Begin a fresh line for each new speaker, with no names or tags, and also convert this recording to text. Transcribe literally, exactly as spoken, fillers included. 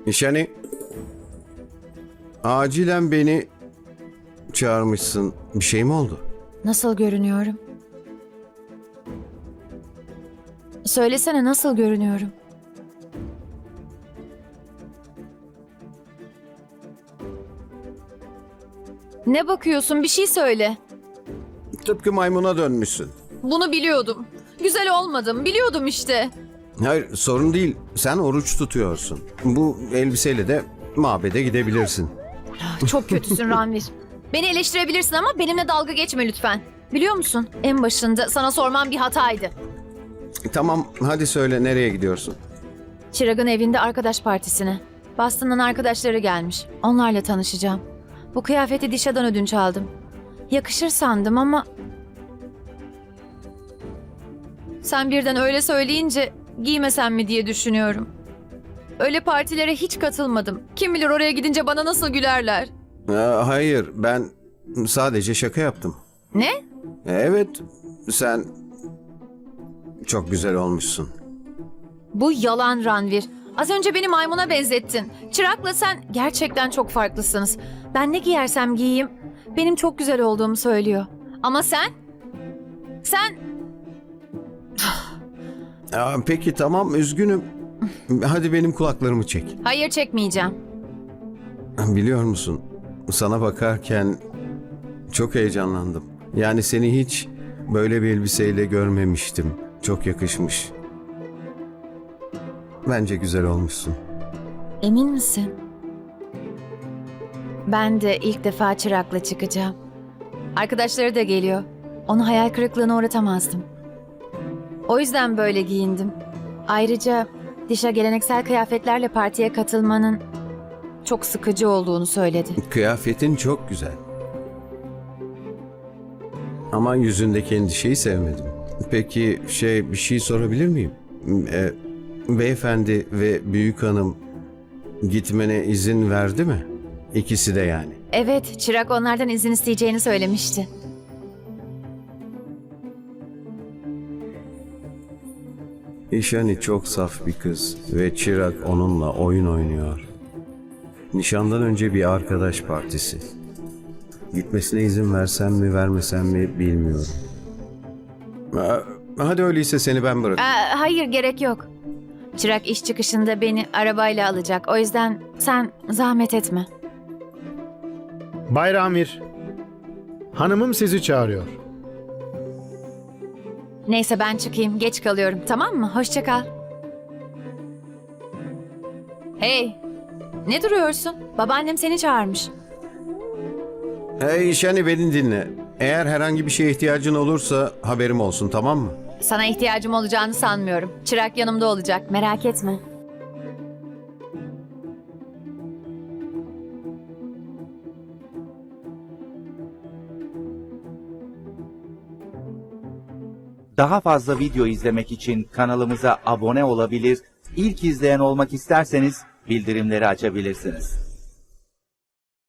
Nişani, acilen beni çağırmışsın. Bir şey mi oldu?
Nasıl görünüyorum? Söylesene, nasıl görünüyorum? Ne bakıyorsun? Bir şey söyle.
Tıpkı maymuna dönmüşsün.
Bunu biliyordum. Güzel olmadım. Biliyordum işte.
Hayır, sorun değil. Sen oruç tutuyorsun. Bu elbiseyle de mabede gidebilirsin.
Çok kötüsün Ranvir. Beni eleştirebilirsin ama benimle dalga geçme lütfen. Biliyor musun? En başında sana sormam bir hataydı.
Tamam, hadi söyle, nereye gidiyorsun?
Çırag'ın evinde arkadaş partisine. Boston'dan arkadaşları gelmiş. Onlarla tanışacağım. Bu kıyafeti Dişa'dan ödünç aldım. Yakışır sandım ama... Sen birden öyle söyleyince giymesem mi diye düşünüyorum. Öyle partilere hiç katılmadım. Kim bilir oraya gidince bana nasıl gülerler.
Ee, hayır, ben sadece şaka yaptım.
Ne?
Evet, sen çok güzel olmuşsun.
Bu yalan Ranvir. Az önce beni maymuna benzettin. Çırak'la sen gerçekten çok farklısınız. Ben ne giyersem giyeyim benim çok güzel olduğumu söylüyor. Ama sen? Sen...
Aa, peki tamam, üzgünüm. Hadi benim kulaklarımı çek.
Hayır, çekmeyeceğim.
Biliyor musun, sana bakarken çok heyecanlandım. Yani seni hiç böyle bir elbiseyle görmemiştim. Çok yakışmış. Bence güzel olmuşsun.
Emin misin? Ben de ilk defa Çırak'la çıkacağım. Arkadaşları da geliyor. Onu hayal kırıklığına uğratamazdım. O yüzden böyle giyindim. Ayrıca Dişa geleneksel kıyafetlerle partiye katılmanın çok sıkıcı olduğunu söyledi.
Kıyafetin çok güzel. Ama yüzündeki endişeyi sevmedim. Peki şey, bir şey sorabilir miyim? Ee, beyefendi ve büyük hanım gitmene izin verdi mi? İkisi de yani.
Evet, Çırak onlardan izin isteyeceğini söylemişti.
İşani çok saf bir kız ve Çırak onunla oyun oynuyor. Nişandan önce bir arkadaş partisi. Gitmesine izin versem mi vermesem mi bilmiyorum. Aa, hadi öyleyse seni ben bırakayım.
Aa, hayır, gerek yok. Çırak iş çıkışında beni arabayla alacak. O yüzden sen zahmet etme.
Bay Ramir, hanımım sizi çağırıyor.
Neyse, ben çıkayım. Geç kalıyorum, tamam mı? Hoşça kal. Hey, ne duruyorsun? Babaannem seni çağırmış.
Hey İşani, beni dinle. Eğer herhangi bir şeye ihtiyacın olursa haberim olsun, tamam mı?
Sana ihtiyacım olacağını sanmıyorum. Çırak yanımda olacak, merak etme.
Daha fazla video izlemek için kanalımıza abone olabilir, ilk izleyen olmak isterseniz bildirimleri açabilirsiniz.